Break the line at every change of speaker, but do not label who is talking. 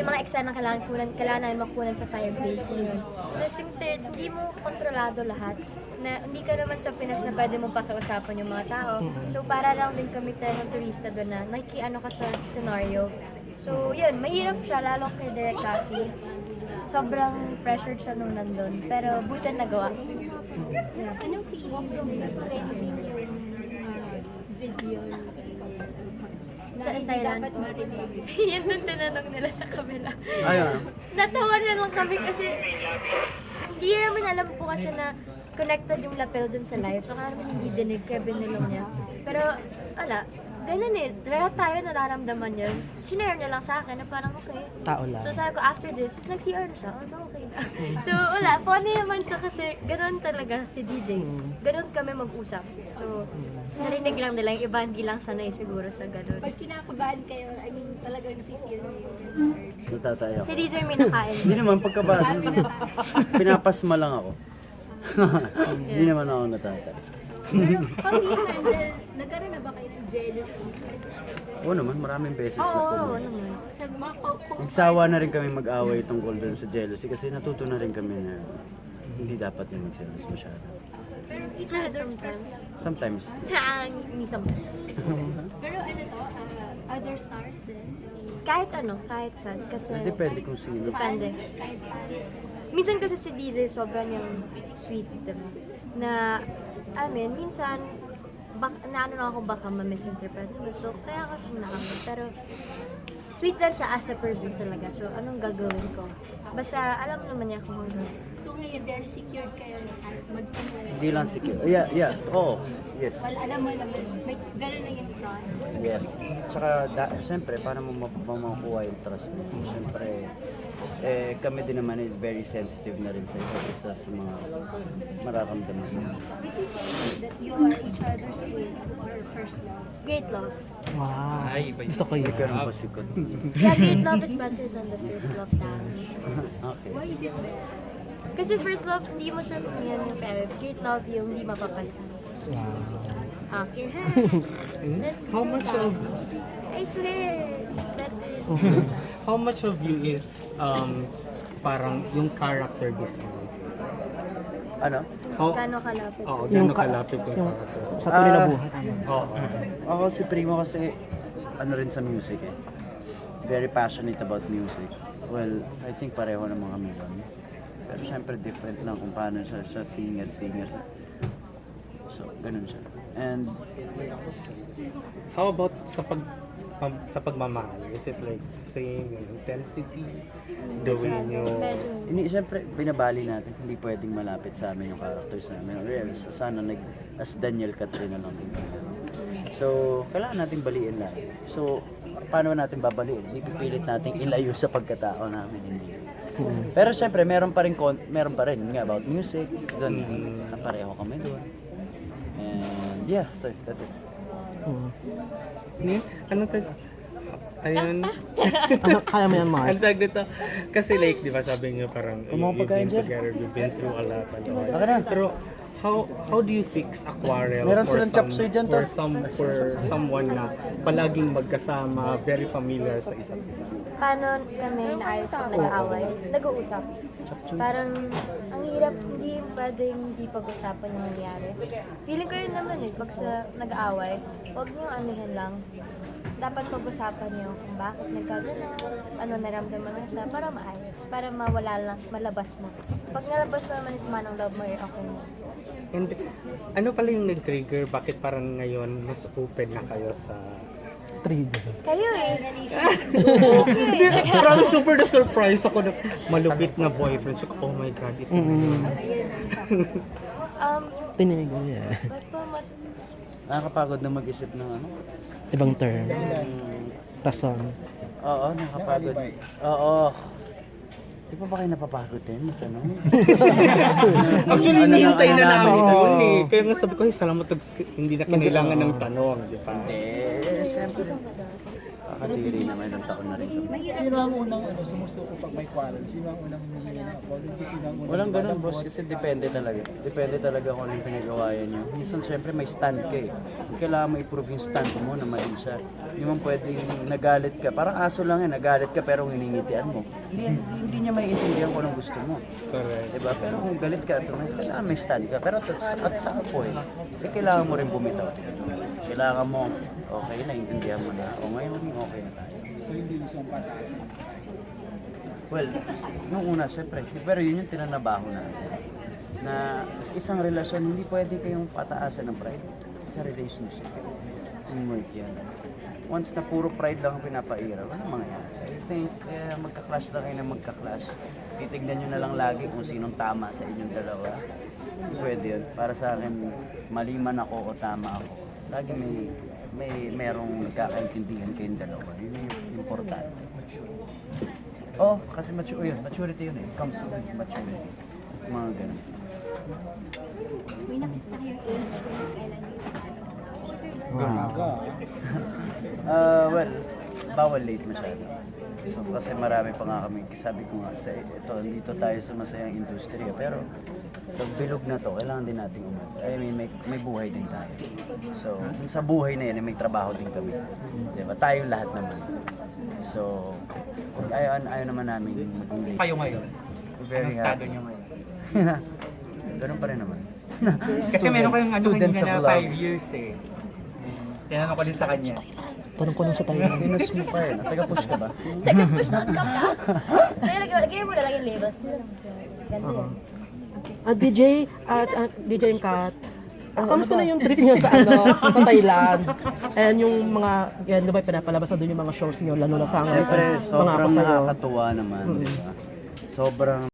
mga eksena kailangan namin makunan sa fireplace na yun. Tapos yung third, hindi mo kontrolado lahat. Na hindi ka naman sa Pinas na pwede mong pakiusapan yung mga tao. So para lang din kami tayo ng turista doon na nakikiano ka sa scenario. So yun, mahirap siya lalo kay Derek Cathy. Sobrang pressured siya nung nandun. Pero buti nagawa.
Anong feeling mo trending yung video
Sa Thailand.
dapat marinig?
Yan nung tinanong nila sa kabila.
Ayun.
Natawa na lang kami kasi hindi naman alam po kasi na connected yung lapel dun sa live. So kaya naman hindi dinig kaya binilong niya. Pero wala. Ganun eh. Lahat tayo nararamdaman yun. Sinare niya lang sa akin na parang okay.
Tao lang.
So sabi ko after this, nag-CR na siya. Oh, okay na. So wala. Funny naman siya kasi ganun talaga si DJ. Ganun kami mag-usap. So narinig lang nila yung iba hindi lang sanay siguro sa ganun.
Pag kinakabahan kayo, I mean, talagang feel mo yung urge.
Natatayo.
Si DJ may nakain.
Hindi naman pagkabahan. Pinapasma lang ako. Hindi naman ako natatayo.
Pero pag i-handle, nagkaroon na ba kayo ng jealousy?
Oo naman, maraming beses na
Oo,
po.
naman.
Sa mga co-host,
Nagsawa na rin kami mag-away tungkol dun sa jealousy kasi natuto na rin kami na hindi dapat na mag-jealous masyado.
pero each
Ah,
other's
sometimes.
Sometimes.
Me sometimes.
Pero ano to, other stars din?
Kahit ano, kahit saan. Kasi
Depende kung sino.
depende.
Kahit
Minsan kasi si DJ sobrang yung sweet diba? Na, minsan, naano lang ako baka ma-misinterpret. So, kaya ako siya nakamit. Pero, sweet lang siya as a person talaga. So, anong gagawin ko? Basta, alam naman niya kung ano.
So ngayon, very secured kayo na kahit magpunta.
Hindi lang secure. Yeah. Oo. Yes.
Well, alam mo naman, may gano'n na yung trust.
Yes. Tsaka, siyempre, paano mo makukuha yung trust mo? Siyempre, kami din naman is very sensitive na rin sa isa't isa sa mga mararamdaman.
Would you say that you are each other's queen or first love?
Great love.
Wow. Gusto ko
Hindi
yun.
ganun pa sikot.
Yeah, great love is better than the first love damage.
Okay.
Why is it better?
Kasi first love, hindi mo sure kung yan yung pero great love yung hindi mapapalitan.
Wow.
Okay, let's
How
do
much
that.
of
I swear, better.
how much of you is parang yung character this movie?
Ano?
How,
Gano'ng kalapit?
Oo,
Yung
gano'ng kalapit yung character?
Sa tunay na buhay.
Oo.
Ako si Primo kasi ano rin sa music eh. Very passionate about music. Well, I think pareho naman kami doon. Pero syempre different lang kung paano siya singer. So, ganun siya. And
How about sa pagmamahal? Is it like same yung intensity? The way nyo...
Medyo.
syempre binabali natin. Hindi pwedeng malapit sa amin yung characters namin. Real, sana as Daniel Katrina lang din. So, kailangan natin baliin lang. So, paano natin babaliin? Hindi pipilit natin ilayo sa pagkatao namin. Hindi. Pero syempre, meron pa rin nga about music. Doon, pareho kami doon. And yeah, so that's it.
Ano ayun.
Kaya mo yan,
Ang
Mars.
tag dito. Kasi like, di ba sabi niyo parang
Mga
you've
pagkain
been
dyan.
together, you've been through a lot.
Baka na.
Pero how do you fix a quarrel
Meron
for
silang chop suey dyan,
for
tol.
for someone na palaging magkasama, very familiar sa isa't isa?
Paano kami naayos pag nag-aaway? Nag-uusap. Parang, ang hirap, hindi pwedeng hindi pag-usapan yung nangyari. Feeling ko yun naman eh, pag sa nag-aaway, huwag niyong anihin lang. Dapat pag-usapan niyo kung bakit nagkagano, ano naramdaman ng isa, para maayos, para mawala lang, malabas mo. Pag nalabas mo naman is manang love mo, okay mo.
And ano pala yung nag-trigger? Bakit parang ngayon mas open na kayo sa...
Trigger.
Kayo eh.
Parang super na-surprise ako na malupit na boyfriend. So, oh my God, ito na yun.
Tininig mo yan.
Ba't po mas...
Nakakapagod na mag-isip ng ano.
Ibang term. Rason.
Oo, nakapagod. Oo. Di pa ba kayo napapagod din? Ano?
Actually,
Ano
hinihintay na namin
namin
yun eh. Kaya nga sabi ko, hey, salamat hindi na kinailangan ng tanong, di ba?
Eh, syempre. Nakadiri naman, ilang taon na rin kami.
Sino ang unang sumusuko pag may quarrel? Sino ang unang humihingi ng apology? Sino ang unang
Walang ganun,
lumalambot?
boss, kasi depende talaga. Depende talaga kung anong pinagawayan nyo. Minsan, syempre, may stand ka eh. Kailangan mo i-prove yung stand mo na mali siya. Hindi mo pwedeng nagalit ka. Parang aso lang eh, nagalit ka pero hiningitian mo. Hindi niya maiintindihan kung anong gusto mo.
Correct.
Diba? Pero kung galit ka, kailangan may stand ka. Pero at sa point, kailangan mo rin bumitaw. Kailangan mo, okay, naiintindihan mo na. O ngayon, okay na tayo.
So hindi gusto ang pataasan.
Well, nung una, syempre. Pero yun yung tinanabaho natin. Na sa isang relasyon, hindi pwede kayong pataasan ng pride sa relationship. Teamwork yan. Once na puro pride lang ang pinapaira, wala mangyayari. I think, magka-clash lang kayo na magka-clash. Titignan nyo na lang lagi kung sinong tama sa inyong dalawa. Pwede yun. Para sa akin, mali man ako o tama ako. Lagi merong nagkakaintindihan kayong dalawa. Yun yung importante. Oh, kasi maturity yun eh. It comes with maturity. Mga ganun.
May nakita kayong age kung kailan yung
Aga.
Well, bawal late masyado. So, kasi marami pa nga kami, sabi ko nga, dito tayo sa masayang industriya, pero sa bilog na to, kailangan din nating may buhay din tayo. So, sa buhay na yan, may trabaho din kami. Diba? Tayo lahat naman. So, ayaw naman namin maging late.
Kayo ngayon?
Very
Anong estado
happy.
nyo ngayon?
Ganun pa rin naman.
Kasi meron kayong
Students
kanina
of
na
love.
5 years eh. Tinanong ko din sa kanya.
Tanong ko lang sa tayo.
Minus mo pa eh. Taga-push ka ba?
Taga-push not come ka. Lagyan mo na lang yung label. Students of Love. Ganda yun.
DJ, DJ and Kat, kamusta na yung trip niyo sa sa Thailand? And yung mga, yan, di ba pinapalabas na doon yung mga shows niyo, lalo na sa
Siyempre,
mga
sobrang
ako sa'yo.
nakakatuwa naman. Diba? Sobrang